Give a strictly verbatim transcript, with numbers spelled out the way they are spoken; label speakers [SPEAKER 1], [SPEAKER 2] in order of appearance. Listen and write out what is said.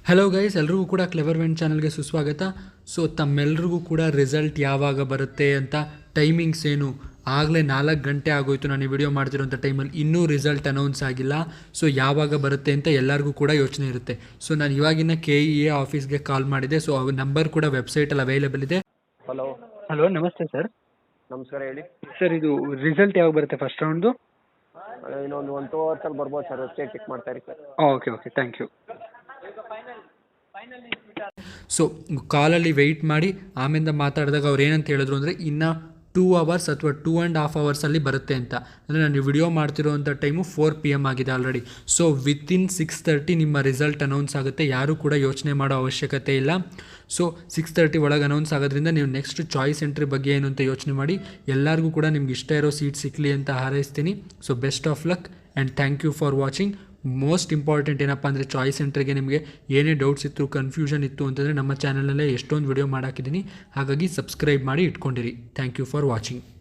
[SPEAKER 1] Hello guys, ಎಲ್ರಿಗೂ ಕೂಡ clever vent ಚಾನಲ್ಗೆ ಸುಸ್ವಾಗತ. ಸೊ ತಮ್ಮೆಲ್ರಿಗೂ ಕೂಡ ರಿಸಲ್ಟ್ ಯಾವಾಗ ಬರುತ್ತೆ ಅಂತ ಟೈಮಿಂಗ್ಸ್ ಏನು, ಆಗಲೇ ನಾಲ್ಕು ಗಂಟೆ ಆಗೋಯ್ತು ನಾನು ಈ ವಿಡಿಯೋ ಮಾಡ್ತಿರೋಂಥ ಟೈಮಲ್ಲಿ, ಇನ್ನೂ ರಿಸಲ್ಟ್ ಅನೌನ್ಸ್ ಆಗಿಲ್ಲ. ಸೊ ಯಾವಾಗ ಬರುತ್ತೆ ಅಂತ ಎಲ್ಲರಿಗೂ ಕೂಡ ಯೋಚನೆ ಇರುತ್ತೆ. ಸೊ ನಾನು ಇವಾಗಿನ ಕೆ ಇ ಎ ಆಫೀಸ್ಗೆ ಕಾಲ್ ಮಾಡಿದೆ. ಸೊ ಅವ್ರ ನಂಬರ್ ಕೂಡ ವೆಬ್ಸೈಟಲ್ಲಿ ಅವೈಲೇಬಲ್ ಇದೆ.
[SPEAKER 2] ಹಲೋ
[SPEAKER 1] ಹಲೋ, ನಮಸ್ತೆ ಸರ್.
[SPEAKER 2] ನಮಸ್ಕಾರ ಹೇಳಿ
[SPEAKER 1] ಸರ್, ಇದು ರಿಸಲ್ಟ್ ಯಾವಾಗ ಬರುತ್ತೆ ಫಸ್ಟ್ ರೌಂಡ್ದು?
[SPEAKER 2] ಇನ್ನೊಂದು ಒನ್ ಟೂ ಅವರ್ಸಲ್ಲಿ ಬರ್ಬೋದು ಸರ್. ವೆಬ್ಸೈಟ್ ಚೆಕ್ ಮಾಡ್ತಾ ಇರಿ sir.
[SPEAKER 1] Okay okay thank you. So ಕಾಲಲ್ಲಿ ವೆಯ್ಟ್ ಮಾಡಿ ಆಮೇಲೆ ಮಾತಾಡಿದಾಗ ಅವ್ರು ಏನಂತ ಹೇಳಿದ್ರು ಅಂದರೆ ಇನ್ನು ಟೂ ಅವರ್ಸ್ ಅಥವಾ ಟೂ ಆ್ಯಂಡ್ ಹಾಫ್ ಅವರ್ಸಲ್ಲಿ ಬರುತ್ತೆ ಅಂತ. ಅಂದರೆ ನಾನು ವಿಡಿಯೋ ಮಾಡ್ತಿರೋವಂಥ ಟೈಮು ಫೋರ್ ಪಿ ಎಮ್ ಆಗಿದೆ already. So within six thirty ನಿಮ್ಮ ರಿಸಲ್ಟ್ ಅನೌನ್ಸ್ ಆಗುತ್ತೆ. ಯಾರೂ ಕೂಡ ಯೋಚನೆ ಮಾಡೋ ಅವಶ್ಯಕತೆ ಇಲ್ಲ. ಸೊ ಸಿಕ್ಸ್ ತರ್ಟಿ ಒಳಗೆ ಅನೌನ್ಸ್ ಆಗೋದ್ರಿಂದ ನೀವು ನೆಕ್ಸ್ಟ್ ಚಾಯ್ಸ್ ಎಂಟ್ರಿ ಬಗ್ಗೆ ಏನು ಅಂತ ಯೋಚನೆ ಮಾಡಿ. ಎಲ್ಲರಿಗೂ ಕೂಡ ನಿಮ್ಗೆ ಇಷ್ಟ ಇರೋ ಸೀಟ್ ಸಿಕ್ಕಲಿ ಅಂತ ಹಾರೈಸ್ತೀನಿ. So best of luck and thank you for watching. Most important ಏನಪ್ಪ ಅಂದರೆ ಚಾಯ್ಸ್ ಸೆಂಟ್ರಿಗೆ ನಿಮಗೆ ಏನೇ ಡೌಟ್ಸ್ ಇತ್ತು, ಕನ್ಫ್ಯೂಷನ್ ಇತ್ತು ಅಂತಂದರೆ ನಮ್ಮ ಚಾನಲಲ್ಲೇ ಎಷ್ಟೊಂದು ವಿಡಿಯೋ ಮಾಡಾಕಿದ್ದೀನಿ. ಹಾಗಾಗಿ ಸಬ್ಸ್ಕ್ರೈಬ್ ಮಾಡಿ ಇಟ್ಕೊಂಡಿರಿ. Thank you for watching.